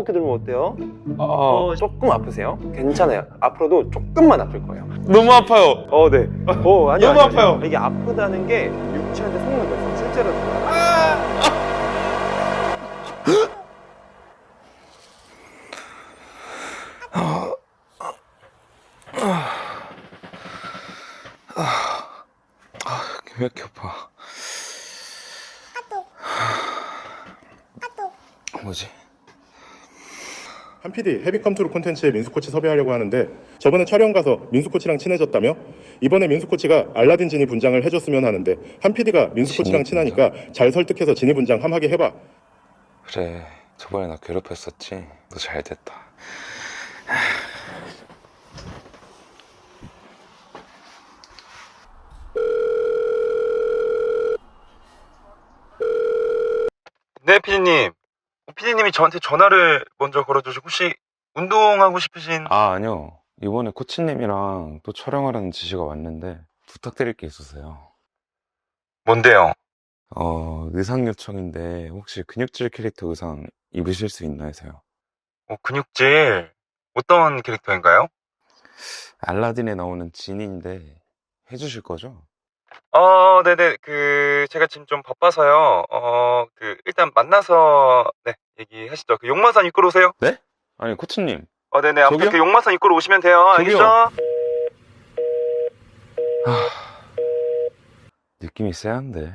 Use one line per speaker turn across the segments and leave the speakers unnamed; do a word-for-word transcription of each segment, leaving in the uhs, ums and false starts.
이렇게 들면 어때요?
어,
어, 조금 아프세요? 괜찮아요. 앞으로도 조금만 아플 거예요.
너무 아파요.
어, 네. 어, 아니요.
너무
아니요, 아니요.
아파요.
이게 아프다는 게 육체한테 속는 거예요. 실제로.
왜 이렇게 아파? 뭐지?
한 피디 헤비컴투루 콘텐츠에 민수 코치 섭외하려고 하는데 저번에 촬영 가서 민수 코치랑 친해졌다며? 이번에 민수 코치가 알라딘 지니 분장을 해줬으면 하는데 한 피디가 민수 코치랑
지니
친하니까 잘 설득해서 지니 분장 함하게 해봐.
그래, 저번에 나 괴롭혔었지. 너 잘 됐다.
네, 피디님. 피디님이 저한테 전화를 먼저 걸어주시고 혹시 운동하고 싶으신...
아, 아니요. 이번에 코치님이랑 또 촬영하라는 지시가 왔는데 부탁드릴 게 있어서요.
뭔데요?
어, 의상 요청인데 혹시 근육질 캐릭터 의상 입으실 수 있나 해서요.
어, 근육질 어떤 캐릭터인가요?
알라딘에 나오는 진인데 해주실 거죠?
어, 네네. 그 제가 지금 좀 바빠서요. 어, 그 일단 만나서 네 얘기하시죠. 그 용마산 입구로 오세요.
네? 아니, 코치님.
어, 네네. 아무튼
저기요?
그 용마산 입구로 오시면 돼요.
저기요?
알겠죠?
느낌이 쎄한데.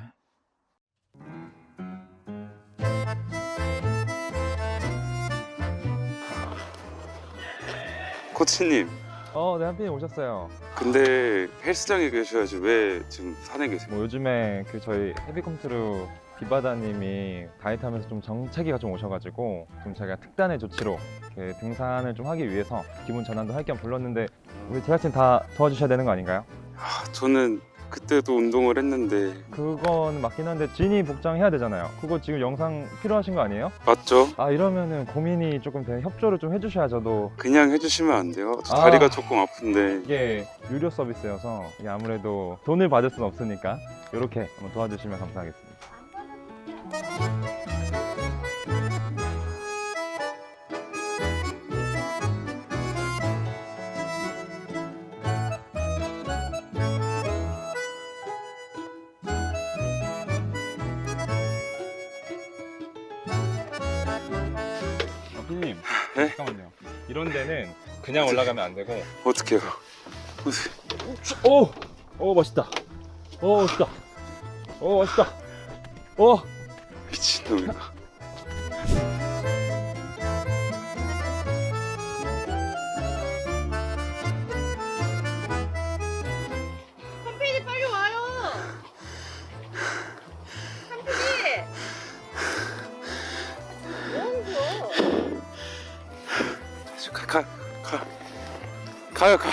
코치님,
어, 네, 한피님 오셨어요.
근데 헬스장에 계셔야지 왜 지금 산에 계세요?
뭐 요즘에 그 저희 헤비컴투루 비바다님이 다이어트 하면서 좀 정체기가 좀 오셔가지고 좀 제가 특단의 조치로 그 등산을 좀 하기 위해서 기분 전환도 할 겸 불렀는데 우리 제작진 다 도와주셔야 되는 거 아닌가요?
아, 저는 그때도 운동을 했는데.
그건 맞긴 한데 진이 복장해야 되잖아요. 그거 지금 영상 필요하신 거 아니에요?
맞죠?
아, 이러면은 고민이 조금 되는 협조를 좀 해주셔야 저도.
그냥 해주시면 안 돼요? 저
아.
다리가 조금 아픈데.
이게 유료 서비스여서 이게 아무래도 돈을 받을 수는 없으니까 이렇게 한번 도와주시면 감사하겠습니다. 아, 피디님,
네?
잠깐만요. 이런 데는 그냥 올라가면 안 되고.
어떡해요?
오! 오, 멋있다. 오, 멋있다. 오, 멋있다. 오!
미친놈이다.
한필이 빨리 와요. 한필이. 뭐 하는 거야?
가, 가, 가. 가요, 가.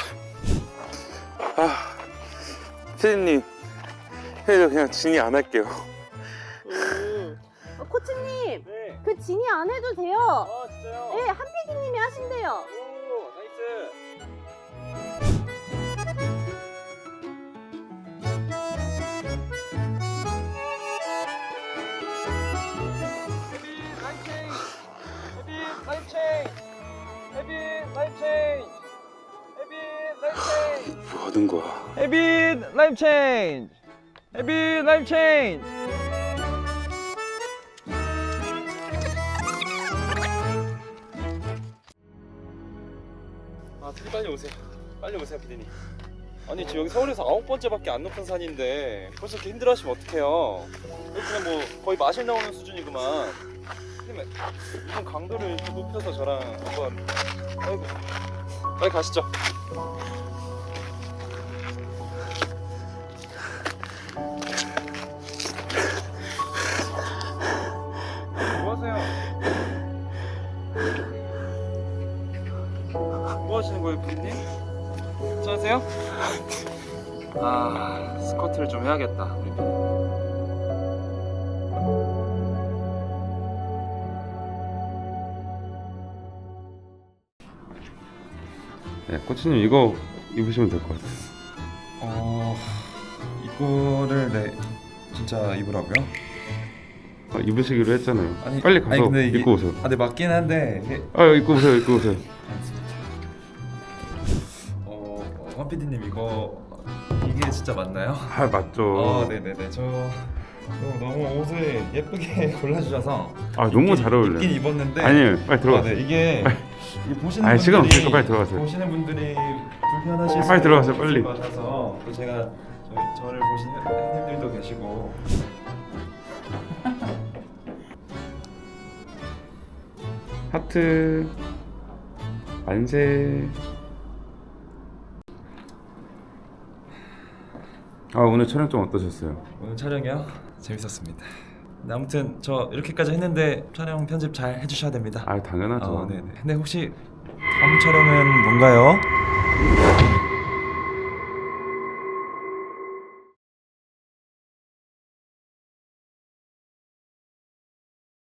아, 피디님. 저 그냥 진이 안 할게요.
음. 어, 코치님,
네.
그 진이 안 해도 돼요.
아, 진짜요?
네, 한필이님이 하신대요.
오, 나이스.
뭐 하는 거야?
헤비 라이프 체인지. 헤비 라이프 체인지.
아, 피디 빨리 오세요. 빨리 오세요, 피디님. 아니, 지금 여기 서울에서 아홉 번째밖에 안 높은 산인데 벌써 이렇게 힘들어하시면 어떡해요? 여기 그냥 뭐 거의 마실 나오는 수준이구만. 피디님, 이런 강도를 이렇게 높여서 저랑 한번... 아이고, 빨리 가시죠. 뭐 하세요? 뭐 하시는 거예요, 피디님? 괜찮으세요? 아, 스쿼트를 좀 해야겠다, 우리 피디님.
네, 코치님 이거 입으시면 될 것 같아요.
어... 이거를 네 진짜 입으라고요?
아, 입으시기로 했잖아요.
아니,
빨리 가서
아니, 근데 이게-
입고 오세요.
아, 네 맞긴 한데 이게-
아 입고 오세요, 입고 오세요.
어, 어, 황 피디님 이거 이게 진짜 맞나요?
아 맞죠.
어, 네네네. 저 너무, 너무 옷을 예쁘게 골라주셔서
아 너무
입긴-
잘 어울려요.
입긴 입었는데
아니에요, 빨리
아,
들어가세요.
네, 이게 이 보시는
아니, 시간
분들이
없으니까 빨리 들어가세요.
보시는 분들이 불편하실
빨리
수
들어가세요,
있을
빨리.
것 같아서 또 제가 저, 저를 보시는 팬님들도 계시고
하트 만세. 아 오늘 촬영 좀 어떠셨어요?
오늘 촬영이요? 재밌었습니다. 근데 아무튼 저 이렇게까지 했는데 촬영 편집 잘 해주셔야 됩니다.
아 당연하죠.
어, 네네. 근데 혹시 다음 촬영은 뭔가요?